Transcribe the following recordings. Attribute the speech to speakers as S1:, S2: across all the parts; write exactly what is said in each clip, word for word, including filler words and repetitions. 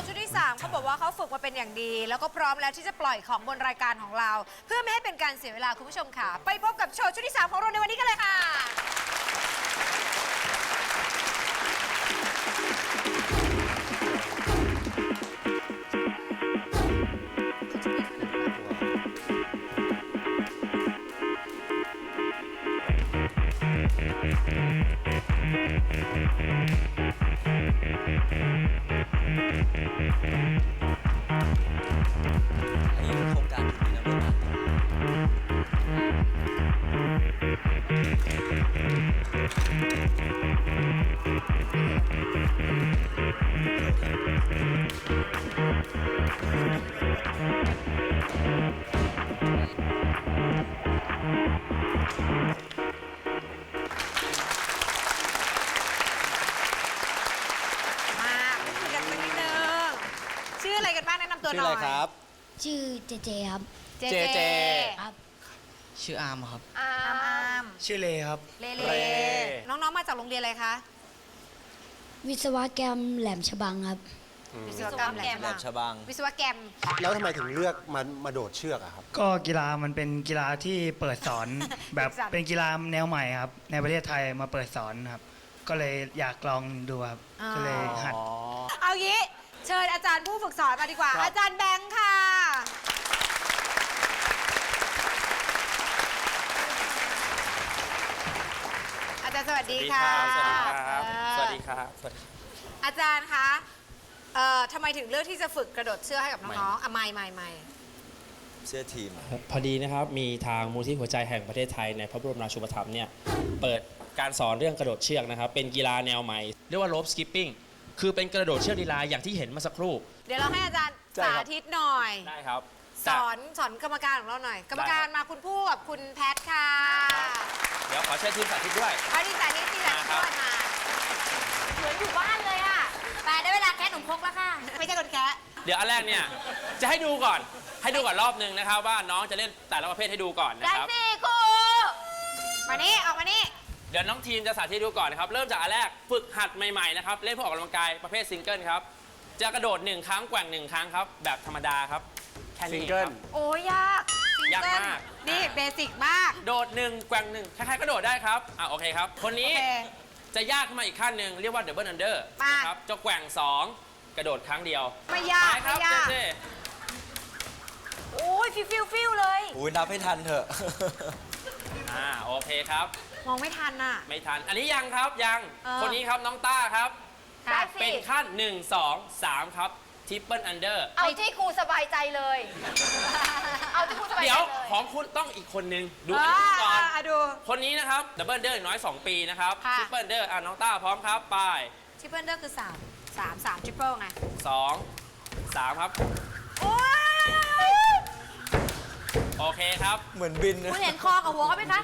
S1: ว์ชุดที่สามเขาบอกว่าเขาฝึกมาเป็นอย่างดี แล้วก็พร้อมแล้วที่จะปล่อยของบนรายการของเรา เพื่อไม่ให้เป็นการเสียเวลาคุณผู้ชมค่ะไปพบกับโชว์ชุดที่สามของเราในวันนี้กันเลยค่ะชื่ออะไรกันบ้างแนะนำตัวหน่อยชื่ออะไรครับ
S2: ชื่อเจเจครับ
S1: เจเจ
S2: ครับ
S3: ชื่ออาร์มครับ
S1: อาร์มอาร์ม
S3: ชื่อเลครับ
S1: เลเลน้องๆมาจากโรงเรียนอะไรคะ
S2: วิศวกรรมแหลมฉบังครับ
S1: วิศวกรรมแหลมฉบังวิศวกรรม
S4: แล้วทำไมถึงเลือกมามาโดดเชือกอะครับ
S3: ก็กีฬามันเป็นกีฬาที่เปิดสอน แบบเป็นกีฬาแนวใหม่ครับในประเทศไทยมาเปิดสอนครับก็เลยอยากลองดูครับก็เลยหัด
S1: เอางี้เชิญอาจารย์ผู้ฝึกสอนมาดีกว่าอาจารย์แบงค์ค่ะอาจารย์สวัสดีค่ะ
S5: สวัสดีครับสวัสดีครับ
S1: อาจารย์คะเอ่อทำไมถึงเลือกที่จะฝึกกระโดดเชือกให้กับน้องๆอ่ะไม่ไม่ไม่
S5: เสื้อทีม
S6: พอดีนะครับมีทางมูลที่หัวใจแห่งประเทศไทยในพระบรมราชูปถัมภ์เนี่ยเปิดการสอนเรื่องกระโดดเชือกนะครับเป็นกีฬาแนวใหม่เรียกว่าโรปสกิปปิ้งคือเป็นกระโดดเชือกลีลาอย่างที่เห็นเมื่อสักครู่
S1: เดี๋ยวเราให้อาจารย์สาธิตหน่อย
S6: ได้ครับ
S1: สอนสอนกรรมการของเราหน่อยกรรมการมาคุณผู้กับคุณแพทค่ะ
S6: เดี๋ยวขอเชิญทีมสาธิตด้วย
S1: เอาทีมสาธิตทีมสาธิตด้วยมาเหมือนอยู่บ้านเลยอ่ะไปได้เวลาแคะหนุ่มพกแล้วค่ะไม่ใช่คนแคะ
S6: เดี๋ยวอันแรกเนี่ยจะให้ดูก่อนให้ดูก่อนรอบนึงนะครับว่าน้องจะเล่นแต่ละประเภทให้ดูก่อนนะครับ
S1: ได้สิครูมานี่ออกมานี่
S6: เดี๋ยวน้องทีมจะสาธิตดูก่อนนะครับเริ่มจากอันแรกฝึกหัดใหม่ๆนะครับเล่นเพื่อออกกำลังกายประเภทซิงเกิลครับจะกระโดดหนึ่งครั้งแกว่งหนึ่งครั้งครับแบบธรรมดาครับแค่นี้ครับ
S1: โอ้ยาก
S6: ยากมาก
S1: นี่เบสิกมาก
S6: โดดหนึ่งแกว่งหนึ่งใครๆก็โดดได้ครับอ่ะโอเคครับคนนี้จะยากขึ้นมาอีกขั้นหนึ่งเรียกว่าดับเบิลอันเดอร์นะครับจะแกว่งสองกระโดดครั้งเดียว
S1: ไม่ยากไม่ยากโอ้ยฟิวฟิวฟิวเลย
S5: อุ้ยนับให้ทันเถอะ
S6: อ่าโอเคครับ
S1: มองไม่ทันอ่ะ
S6: ไม่ทันอันนี้ยังครับยังคนนี้ครับน้องต้าครับเป็นขั้นหนึ่ง สอง สามครับทริปเปิลอันเดอร์
S1: เอาที่ครูสบายใจเลยเอาที่ครูสบายใจเลย
S6: เดี๋ยวของคุณต้องอีกคนนึงดูอันนี้ก่อน
S1: ดู
S6: คนนี้นะครับดับเบิลอันเดอร์น้อยสองปีนะครับทริปเปิลอันเดอร์อ่ะน้องต้าพร้อมครับไป
S1: ทริปเปิลอันเดอร์คือสาม สาม สามทริปเปิลไง
S6: สอง สามครับ
S1: โอ้ย
S6: โอเคครับ
S5: เหมือนบิน
S1: คุณเห็นคอกับหัวเขาไหมคะ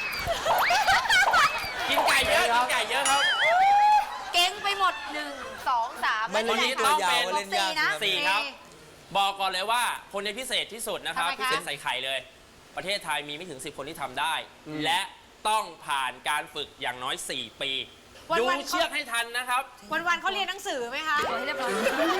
S6: กินไก่เยอะกินไก่เยอะครับ
S1: เก่งไปหมดหนึ่ง สอง สาม
S5: วันนี้ต้องเป็น
S1: สี่นะ
S6: สี่ครับบอกก่อนเลยว่าคนนี้พิเศษที่สุดนะครับพิเศษใส่ไข่เลยประเทศไทยมีไม่ถึงสิบคนที่ทำได้และต้องผ่านการฝึกอย่างน้อยสี่ปีดูเชือกให้ทันนะครับ
S1: วันๆเขาเรียนหนังสือไหมคะเรียบร้อย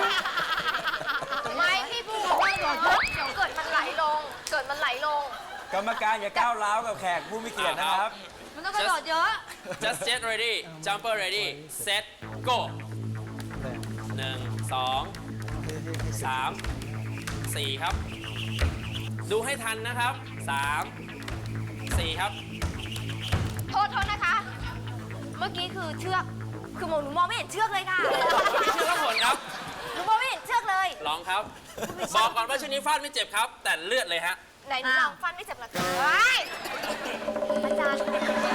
S1: ไม่พี่พูดว่าเดี๋ยวเกิดมันไหลลงเกิดมันไหลลง
S5: กรรมการอย่าก้าวร้าวกับแขกผู้มีเกียรตินะครับ
S1: มันต้องกระโดดเยอะ
S6: just get ready jumper ready set go หนึ่ง สอง สาม สี่ครับดูให้ทันนะครับสาม สี่ครับ
S1: โทษโทษนะคะเมื่อกี้คือเชือกคือหนูมองไม่เห็นเชือกเลยค่ะ
S6: เชือกผลครับ
S1: หนูมองไม่เห็นเชือกเลย
S6: ลองครับบอกก่อนว่าชุดนี้ฟาดไม่เจ็บครับแต่เลือดเลยฮะ
S1: ไหนหนูลองฟันไม่เจ็บหรอคะอาจารย์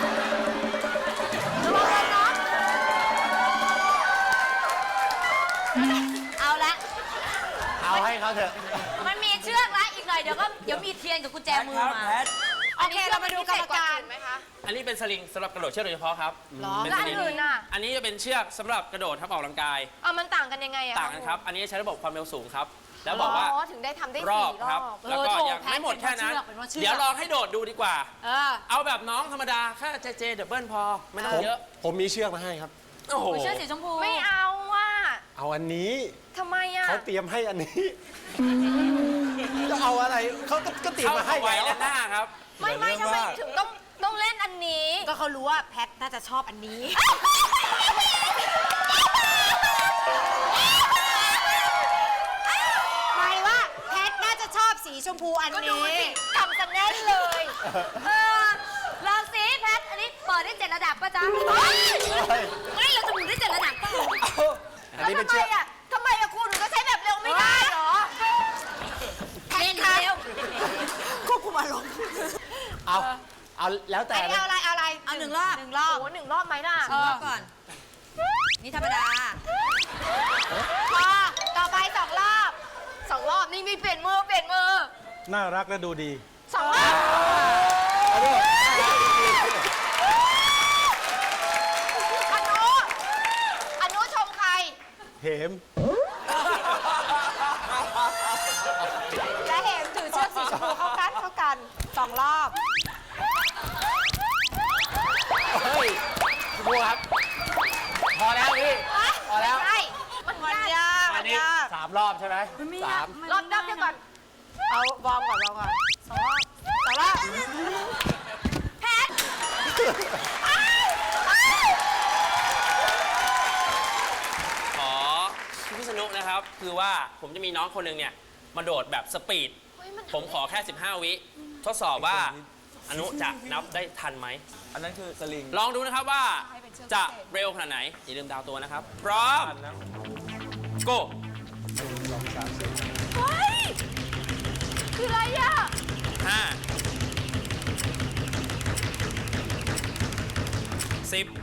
S1: ระวังน้องเอาละ
S4: เอาให้เขาเถอะ
S1: มันมีเชือกแล้วอีกหน่อยเดี๋ยวก็เดี๋ยวมีเทียนกับกุญแจมือมาโอเคเรามาดูกรรมการไหมคะ
S6: อันนี้เป็นสลิงสำหรับกระโดดเชือกโดยเฉพาะครับ
S1: แล้วอันอื่นน่ะ
S6: อันนี้จะเป็นเชือกสำหรับกระโดดทับออกกำลังกาย
S1: อ่ะมันต่างกันยังไงอะ
S6: ต่างกันครับอันนี้ใช้ระบบความเร็วสูงครับแล้วบอกว่า
S1: ถึงได้ทำได้
S6: ร
S1: อบ
S6: ครับแล้วก็ยังไม่หมดแค่นั้นเดี๋ยวลองให้โดดดูดีกว่าเอาแบบน้องธรรมดาแค่เจเจดับเบิลพอไม่ต้องเยอะ
S4: ผมมีเชือกมาให้ครับ
S1: โอ้โหเชือกสีชมพูไม่เอาว่ะ
S4: เอาอันนี้
S7: ทำไมอ่ะ
S4: เขาเตรียมให้อันนี้จะเอาอะไรเขาก็ก็เตรียม
S6: เข้า
S4: มาให้
S6: เอาไว้
S4: แล้ว
S6: และหน้าครับ
S7: ไม่ไม่
S5: เรื่
S7: ทำ
S5: อง
S7: ไม
S5: ว่า
S7: ถึงต้องต้องเล่นอันนี้
S1: ก็เขารู้ว่าแพทน่าจะชอบอันนี้ หมายว่าแพทน่าจะชอบสีชมพูอัน
S7: ก็ดู
S1: นี้
S7: สิกำสันแน่นเลย เออลองสิแพท อันนี้เปิดได้เจ็ดระดับป่ะจ๊ะไม่เราจะหมุนได้เจ็ดระดับป่ะ
S4: อันนี้เป็น
S7: ทำไม
S4: เชือก
S7: อ่ะทำไมอ่ะคุณหนูก็ใช้แบบเร็วไม่ได้เหรอ
S1: เล่นเร็วควบคุมอารมณ์
S4: เอาเอาแล้วแต่
S1: อันนี้
S4: นะ
S1: เอาอะไรเอาอะไรเอาหนึ่งรอบหนึ่งรอบ
S7: โอ้หนึ่งรอบไหมล่ะ
S1: หนึ่งรอบก่อน นี่ธรรมดาพอต่อไปสองรอบ
S7: สองรอบนี่มีเปลี่ยนมือเปลี่ยนมือ
S8: น่ารักและดูดี
S7: สองรอบอนุอนุชมใคร
S8: เหม
S1: และเห็นถือเชือกสีชมพูเข้ากันเข้ากันสองรอบ
S4: เฮ้ยครูครับ พอแล้วพี่ พอแล้ว
S7: ใช่มัน
S1: มัน
S7: ยาก
S1: ยาก
S4: อั
S1: มัน น
S4: นี้
S1: ยาก
S4: สามรอบใช่ไหมสาม
S7: รอบรอบเดียวก่อน
S1: เอาวอร์มก่อนวอร์มก่อนสองรอบสองรอบ
S7: แพท
S6: ขอพี่สนุกนะครับ คือว่าผมจะมีน้องคนหนึ่งเนี่ย มาโดดแบบสปีด ผมขอแค่ สิบห้า วิ ทดสอบว่าอนุจะนับได้ทันไหม
S5: อันนั้นคือสลิง
S6: ลองดูนะครับว่าจะเร็วขนาดไหน อย่าลืมดาวตัวนะครับ พร้อม go
S7: เฮ้ย คืออะไรอ่ะ
S6: ห้าสิบ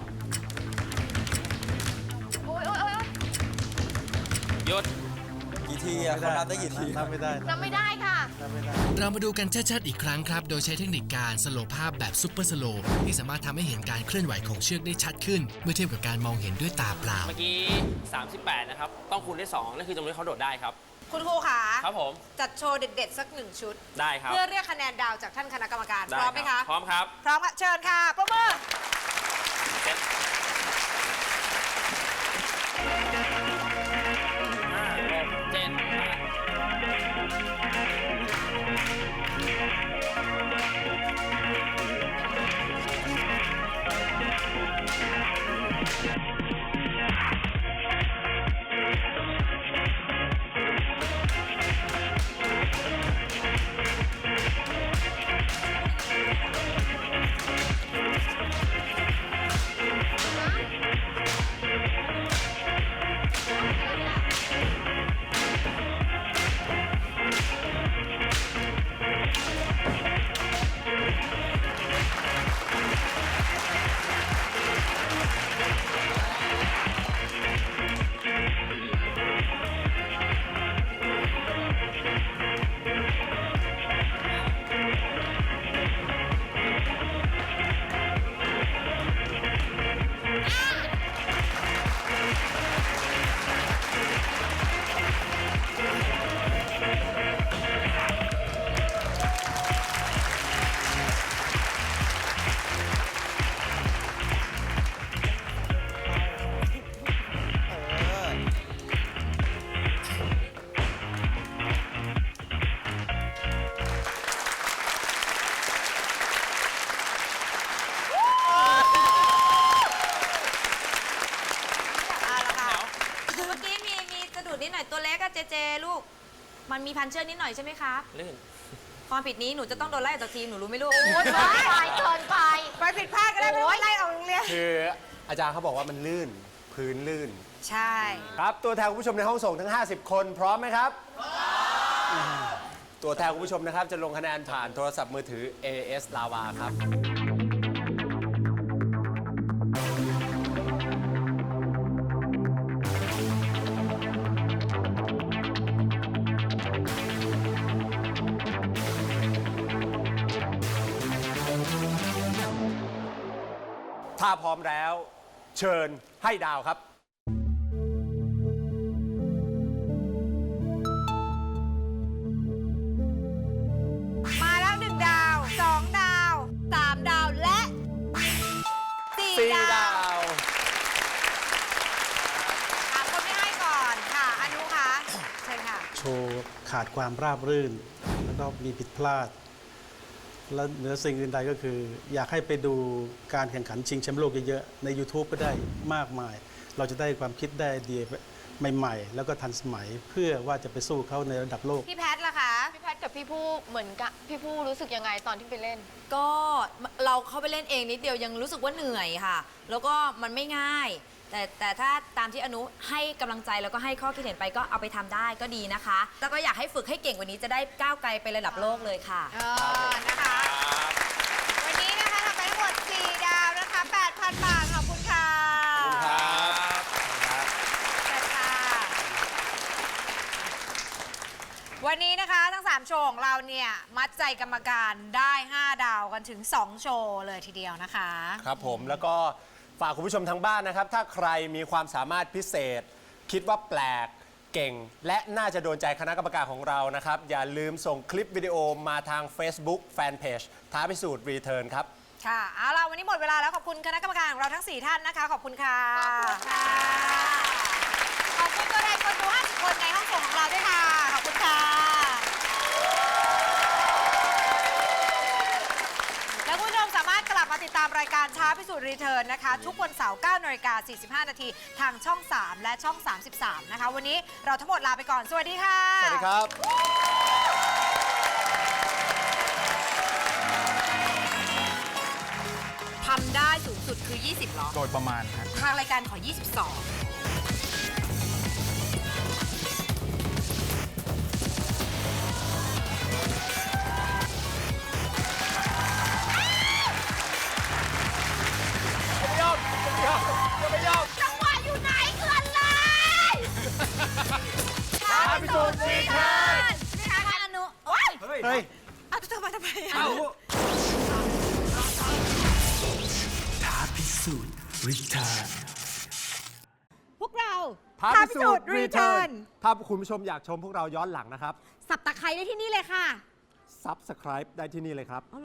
S7: โอ้ยโอ้ยโอ้ย
S6: หยุด
S5: กี่ทีอะเขานับได้กี่ที
S8: นับไม่ได้
S7: จำไม่ได้ค่ะ
S8: นับไม่ได้
S9: เรามาดูกันชัดๆอีกครั้งครับ โดยใช้เทคนิคการสโลว์ภาพแบบซุปเปอร์สโลว์ที่สามารถทำให้เห็นการเคลื่อนไหวของเชือกได้ชัดขึ้น เมื่อเทียบกับการมองเห็นด้วยตาเปล่า
S6: เมื่อกี้ สามสิบแปด นะครับ ต้องคูณด้วยสองนั่นคือจำนวนที่เขาโดดได้ครับ
S1: คุณครูขา
S6: ครับผม
S1: จัดโชว์เด็ดๆ สักหนึ่งชุด
S6: ได้ครับ
S1: เพื่อเรียกคะแนนดาวจากท่านคณะกรรมการ
S6: ได้
S1: พร้อมไหม
S6: ครั
S1: คะ
S6: บพร้อมครับ
S1: พร้อมค่ะเชิญค่ะประมือ
S6: เจ็ดห้าหกเจ็ดแปด
S1: เอาละค่ะ เมื่อกี้มีมีสะดุดนิดหน่อยตัวเล็กอะเจเจลูก มันมีพันเชือกนิดหน่อยใช่ไหมคะ
S6: ลื่น
S1: ความผิดนี้หนูจะต้องโดนไล่ออกจากทีมหนูรู้ไหมลูก
S7: โอ้ยเกินไปเกินไป
S1: ไปผิดพลาดก็ได้ไม่ต้องไล่ออกโรงเรียน
S4: คืออาจารย์เขาบอกว่ามันลื่น พื้นลื่น
S1: ใช่
S4: ครับ ตัวแทนคุณผู้ชมในห้องส่งทั้ง ห้าสิบ คนพร้อมไหมครับตัวแทนคุณผู้ชมนะครับ จะลงคะแนนผ่านโทรศัพท์มือถือ เอ เอส Lava ครับ ถ้าพร้อมแล้ว เชิญให้ดาวครับ
S1: มาแล้วหนึ่งดาวสองดาวสามดาวและสี่
S4: สี่
S1: ดา
S4: ดาว ว
S1: ถามคนไม่ให้ก่อน
S8: ขาดความราบรื่น แล้วก็มีผิดพลาด และเหนือสิ่งอื่นใดก็คือ อยากให้ไปดูการแข่งขันชิงแชมป์โลกเยอะๆใน YouTube ก็ได้มากมาย เราจะได้ความคิดได้ไอเดียใหม่ๆ แล้วก็ทันสมัยเพื่อว่าจะไปสู้เขาในระดับโลก
S1: พี่แพทล่ะคะ
S10: พี่แพทกับพี่ผู้เหมือนกับพี่ผู้รู้สึกยังไงตอนที่ไปเล่น
S7: ก็เราเข้าไปเล่นเองนิดเดียวยังรู้สึกว่าเหนื่อยค่ะ แล้วก็มันไม่ง่าย แต่แต่ถ้าตามที่อนุให้กำลังใจแล้วก็ให้ข้อคิดเห็นไปก็เอาไปทำได้ก็ดีนะคะ แล้วก็อยากให้ฝึกให้เก่งกว่านี้จะได้ก้าวไกลไประดับโลกเลยค่ะ
S1: เออ นะคะ วันนี้นะคะทำไปทั้งหมด สี่ ดาวนะคะ แปดพัน บาท ขอบคุณค่ะ
S6: ครับ
S1: เชิญค่ะ วันนี้นะคะทั้ง สาม โชว์ของเราเนี่ย มัดใจกรรมการได้ ห้า ดาวกันถึง สอง โชว์เลยทีเดียวนะคะ
S11: ครับผมแล้วก็ฝากคุณผู้ชมทางบ้านนะครับ ถ้าใครมีความสามารถพิเศษ คิดว่าแปลกเก่ง และน่าจะโดนใจคณะกรรมการของเรานะครับ อย่าลืมส่งคลิปวิดีโอมาทาง Facebook Fanpage ท้าพิสูจน์รีเทิร์นครับ
S1: ค่ะ เอาล่ะ วันนี้หมดเวลาแล้ว ขอบคุณคณะกรรมการของเราทั้ง สี่ ท่านนะคะ ขอบคุณค่ะ ขอบคุณค่ะ ขอบคุณตัวแทนคนดู ห้าสิบ คนในห้องส่งของเราด้วยค่ะ ขอบคุณค่ะ แล้วคุณผู้ชมสามารถกลับมาติดตามรายการท้าพิสูจน์รีเทิร์นนะคะ ทุกวันเสาร์ เก้านาฬิกาสี่สิบห้า นาทีทางช่อง สาม และช่อง สามสิบสาม นะคะ วันนี้เราทั้งหมดลาไปก่อน สวัสดีค่ะ
S11: สวัสดีครับ
S1: ทำได้สูงสุดคือ ยี่สิบ หรอ
S8: โดยประมาณครับ
S1: ทางรายการขอ ยี่สิบสอง จังหวะอยู่ไหนเกินเลยท้าพิสูจน์รีเทิร์นนี่นะคะอนุโอ๊ย
S8: เฮ้ย
S1: เอาตัวมาทำไมอ่ะ
S9: ท้าพิสูจน์รีเทิร์น
S1: พวกเรา
S11: ท้าพิสูจน์รีเทิร์นถ้าคุณผู้ชมอยากชมพวกเราย้อนหลังนะครับ
S1: สับตะไคร้ได้ที่นี่เลยค่ะ
S11: Subscribe ได้ที่นี่เลยครับ